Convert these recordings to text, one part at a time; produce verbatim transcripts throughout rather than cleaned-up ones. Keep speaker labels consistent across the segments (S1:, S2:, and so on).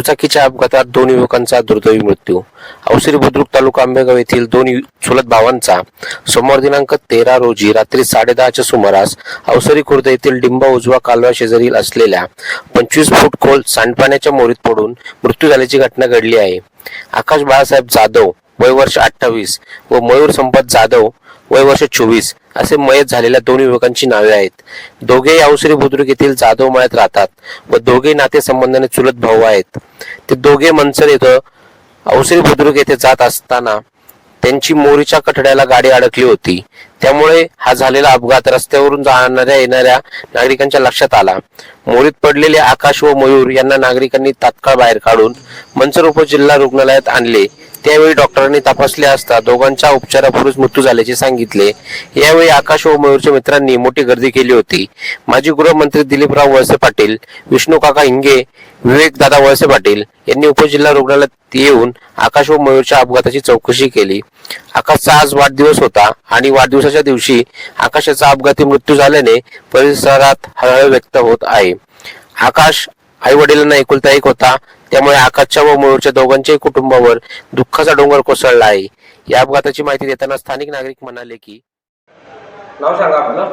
S1: दुचाकीच्या अपघातात दोन युवकांचा दुर्दैवी मृत्यू. अवसरी बुद्रुक तालुका आंबेगाव येथील दोन यु- चुलत भावांचा सोमवार दिनांक तेरा रोजी रात्री साडेदहाच्या सुमारास अवसरी खुर्द येथील डिंबा उजवा कालवा शेजारील असलेल्या पंचवीस फूट खोल सांडपाण्याच्या मोरीत पडून मृत्यू झाल्याची घटना घडली आहे. आकाश बाळासाहेब जाधव वय वर्ष अठ्ठावीस व मयूर संपत जाधव वय वर्ष चोवीस असे मयत झालेल्या दोन युवकांची नावे आहेत. दोघेही अवसरी बुद्रुक येथील जाधव मळ्यात राहतात व दोघे नातेसंबंधाने चुलत भाऊ आहेत. ते दोघे मनसर येथे अवसरी बुद्रुक येथे जात असताना त्यांची मोरीच्या कठड्याला गाडी अडकली होती. त्यामुळे हा झालेला अपघात रस्त्यावरून जाणाऱ्या येणाऱ्या नागरिकांच्या लक्षात आला. मोरीत पडलेले आकाश व मयूर यांना नागरिकांनी तात्काळ बाहेर काढून मनसर उपजिल्हा रुग्णालयात आणले. त्यावेळी डॉक्टरांनी तपासले असता दोघांच्या उपचारापूर्वीच मृत्यू झाल्याचे सांगितले. यावेळी आकाश व मयूरच्या मित्रांनी मोठी गर्दी केली होती. माजी गृहमंत्री दिलीपराव वळसे पाटील, विष्णू काका हिंगे, विवेक दादा वळसे पाटील यांनी उपजिल्हा रुग्णालयात येऊन आकाश व मयूरच्या अपघाताची चौकशी केली. आकाशचा आज वाढदिवस होता आणि वाढदिवसाच्या दिवशी आकाशाचा अपघाती मृत्यू झाल्याने परिसरात हळहळ व्यक्त होत आहे. आकाश आई वडिलांना एकुलता एक होता, त्यामुळे आकाशच्या व मयूरच्या दोघांच्याही कुटुंबावर दुःखाचा डोंगर कोसळला आहे. या अपघाताची माहिती देताना स्थानिक नागरिक म्हणाले की,
S2: नाव सांगा आपलं.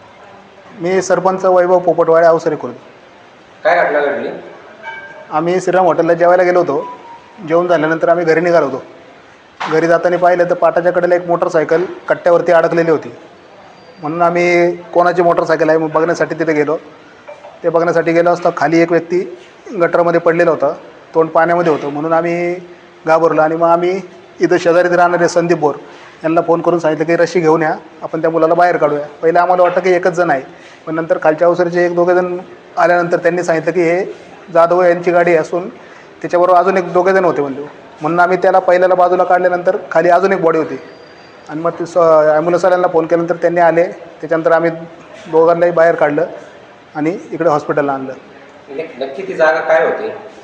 S3: मी सरपंच वैभव पोपटवाडे, अवसरी खुर्द.
S2: काय घटना घडली?
S3: आम्ही श्रीराम हॉटेलला जेवायला गेलो होतो. जेवण झाल्यानंतर आम्ही घरी निघालो होतो. घरी जाताना पाहिलं तर पाटाच्या कडेला एक मोटरसायकल कट्ट्यावरती अडकलेली होती. म्हणून आम्ही कोणाची मोटरसायकल आहे मग बघण्यासाठी तिथे गेलो. ते बघण्यासाठी गेलो असता खाली एक व्यक्ती गटरमध्ये पडलेला होता, तोंड पाण्यामध्ये होतं. म्हणून आम्ही घाबरलो आणि मग आम्ही इथं शेजारीत राहणारे संदीप बोर यांना फोन करून सांगितलं की रशी घेऊन या, आपण त्या मुलाला बाहेर काढूया. पहिलं आम्हाला वाटतं की एकच जण आहे, पण नंतर खालच्या अवसरीचे एक दोघे जण आल्यानंतर त्यांनी सांगितलं की हे जाधव यांची गाडी असून त्याच्याबरोबर अजून एक दोघे जण होते म्हणजे. म्हणून आम्ही त्याला पहिल्याला बाजूला काढल्यानंतर खाली अजून एक बॉडी होती आणि मग ते स ॲम्ब्युलन्सवाल्यांना फोन केल्यानंतर त्यांनी आले. त्याच्यानंतर आम्ही दोघांनाही बाहेर काढलं आणि इकडे हॉस्पिटलला आणलं.
S2: नक्की ती जागा काय होती?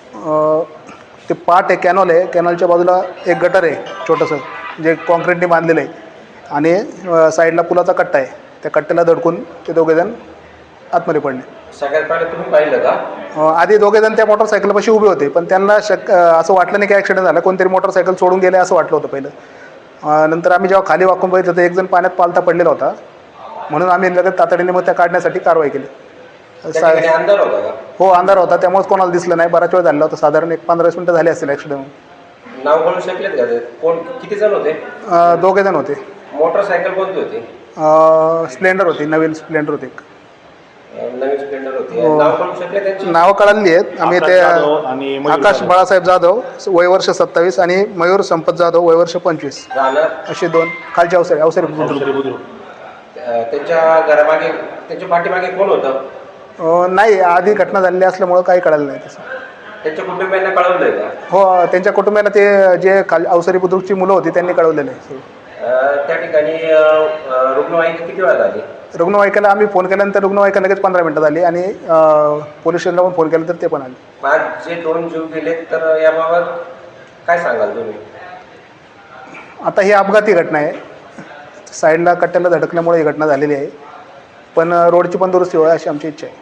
S3: ते पाट आहे, कॅनॉल आहे, कॅनॉलच्या बाजूला एक गटर आहे छोटंसं जे कॉन्क्रीटने बांधलेलं आहे आणि साईडला पुलाचा कट्टा आहे. त्या कट्ट्याला धडकून ते दोघेजण आतमध्ये पडले.
S2: सगळ्यात पहिले तुम्ही पाहिलं का?
S3: आधी दोघेजण त्या मोटरसायकलपाशी उभे होते, पण त्यांना शक असं वाटलं नाही की ॲक्सिडेंट झाला, कोणतरी मोटरसायकल सोडून गेले असं वाटलं होतं पहिलं. नंतर आम्ही जेव्हा खाली वाकून बघितलं तर एक जण पाण्यात पालथा पडलेला होता. म्हणून आम्ही लगेच तातडीने मग त्या काढण्यासाठी कारवाई केली.
S2: अंधार होता का?
S3: हो, अंधार होता, त्यामुळेच कोणाला दिसलं नाही. बराच वेळ झाला होता, साधारण एक पंधरा वीस मिनिटं झाली असेल ॲक्सिडेंट.
S2: नाव बोलू शकलेत का ते? कोण, किती जण होते?
S3: दोघे जण होते.
S2: मोटरसायकल कोणती होती?
S3: स्प्लेंडर होती, नवीन स्प्लेंडर होती.
S2: नवीन स्प्लेंडर होती. नाव बोलू शकले त्यांची?
S3: नावं कळाली आहेत आम्ही. ते आकाश बाळासाहेब जाधव वय वर्ष सत्तावीस आणि मयूर संपत जाधव वय वर्ष पंचवीस असे दोन खालच्या अवसरी अवसरी बुद्रुक.
S2: त्यांच्या घरामागे, त्यांच्या पाठीमागे कोण होतं?
S3: नाही, आधी घटना झालेली असल्यामुळं काही कळालं नाही तसं.
S2: त्यांच्या कुटुंबियांना कळवलंय का?
S3: हो, त्यांच्या कुटुंबियांना ते जे खाली अवसरी बुद्रुकची मुलं होती त्यांनी कळवलेलं आहे.
S2: त्या ठिकाणी रुग्णवाहिका किती वेळा झाली?
S3: रुग्णवाहिकेला आम्ही फोन केल्यानंतर रुग्णवाहिका लगेच पंधरा मिनटं झाली आणि पोलीस स्टेशनला पण फोन केला तर ते पण आले.
S2: आज जे दोन जीव गेले तर याबाबत काय सांगाल तुम्ही?
S3: आता ही अपघाती घटना आहे, साईडला कट्ट्याला धडकल्यामुळे ही घटना झालेली आहे, पण रोडची पण दुरुस्ती व्हावी अशी आमची इच्छा आहे.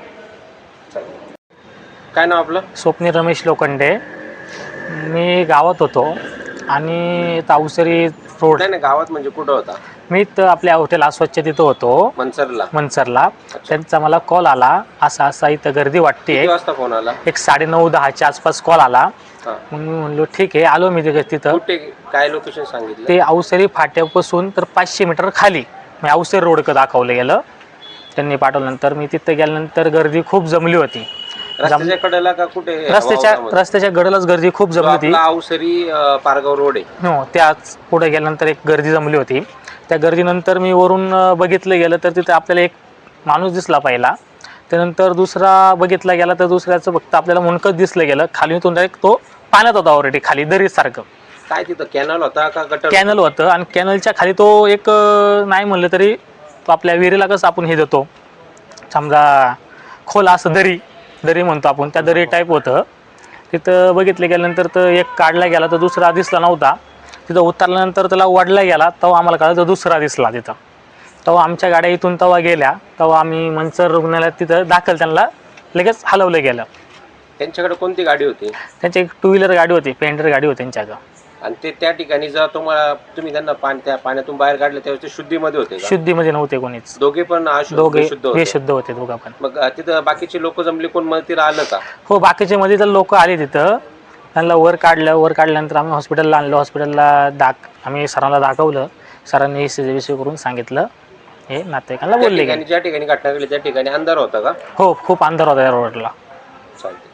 S2: काय नाव आपलं?
S4: स्वप्नील रमेश लोखंडे. मी गावात होतो आणि अवसरी रोड.
S2: नाही, गावात म्हणजे कुठं होता?
S4: मी तर आपल्या हॉटेल अस्वच्छ तिथं होतो,
S2: मनसरला.
S4: मनसरला. त्यांचा मला कॉल आला, असा असा इथं गर्दी वाटते.
S2: किती वाजता फोन आला?
S4: एक साडे नऊ दहाच्या आसपास कॉल आला. मग मी म्हणलो ठीक आहे, आलो मी तिथं.
S2: कुठे, काय लोकेशन सांगितलं?
S4: ते अवसरी फाट्यापासून तर पाचशे मीटर खाली मी अवसरी रोडकडं दाखवलं गेलं. त्यांनी पाठवल्यानंतर मी तिथं गेल्यानंतर गर्दी खूप जमली होती.
S2: रस्त्याच्या कडेला का कुठे?
S4: रस्त्याच्या रस्त्याच्या कडेलाच गर्दी खूप जमली होती.
S2: अवसरी पारगाव रोड आहे.
S4: हो, त्याच पुढे गेल्यानंतर एक गर्दी जमली होती. त्या गर्दीनंतर मी वरून बघितलं गेलं तर तिथे आपल्याला एक माणूस दिसला पहिला. त्यानंतर दुसरा बघितला गेला तर दुसऱ्याचं फक्त आपल्याला मुंडकच दिसलं गेलं. खाली उतरून डायरेक्ट तो पाण्यात होता ऑलरेडी, खाली दरीसारखं.
S2: काय तिथं कॅनल होता का गटर?
S4: कॅनल होतं आणि कॅनलच्या खाली तो एक नाही म्हणलं तरी तो आपल्या विहिरीला कसं आपण हे देतो समजा खोल असं दरी दरी म्हणतो आपण, त्या दरी टाईप होतं. तिथं बघितलं गेल्यानंतर तर एक काढला गेला तर दुसरा दिसला नव्हता. तिथं उतरल्यानंतर त्याला वडला गेला तेव्हा आम्हाला कळलं तर दुसरा दिसला तिथं. तेव्हा आमच्या गाड्या इथून तेव्हा गेल्या, तेव्हा आम्ही मनसर रुग्णालयात तिथं दाखल त्यांना लगेच हलवलं गेलं.
S1: त्यांच्याकडे कोणती गाडी होती
S4: त्यांची एक टू व्हीलर गाडी होती, पेंडर गाडी होती त्यांच्याकडं.
S1: आणि ते त्या ठिकाणी जेव्हा तुम्हाला तुम्ही त्यांना पाणी त्या पाण्यातून बाहेर काढलं त्यावेळेस ते शुद्धीमध्ये होते का?
S4: शुद्धीमध्ये नव्हते कोणीच,
S1: दोघे पण अशुद्ध-
S4: दोघे
S1: बेशुद्ध होते.
S4: बेशुद्ध होते दोघं पण.
S1: मग अ, तिथं बाकीचे लोक जमले, कोण मदतीला आलं का?
S4: हो, बाकीचे मध्ये तर लोक आले तिथं, त्यांना वर काढलं. वर काढल्यानंतर आम्ही हॉस्पिटलला आणलं. हॉस्पिटलला दाख आम्ही सरांना दाखवलं. सरांनी विषय करून सांगितलं, हे नातेवाईकांना
S1: त्या
S4: बोलले
S1: ठिकाणी ज्या ठिकाणी घटना घडली त्या ठिकाणी अंधार होता का?
S4: हो, खूप अंधार होता या रोडला.
S1: चालते.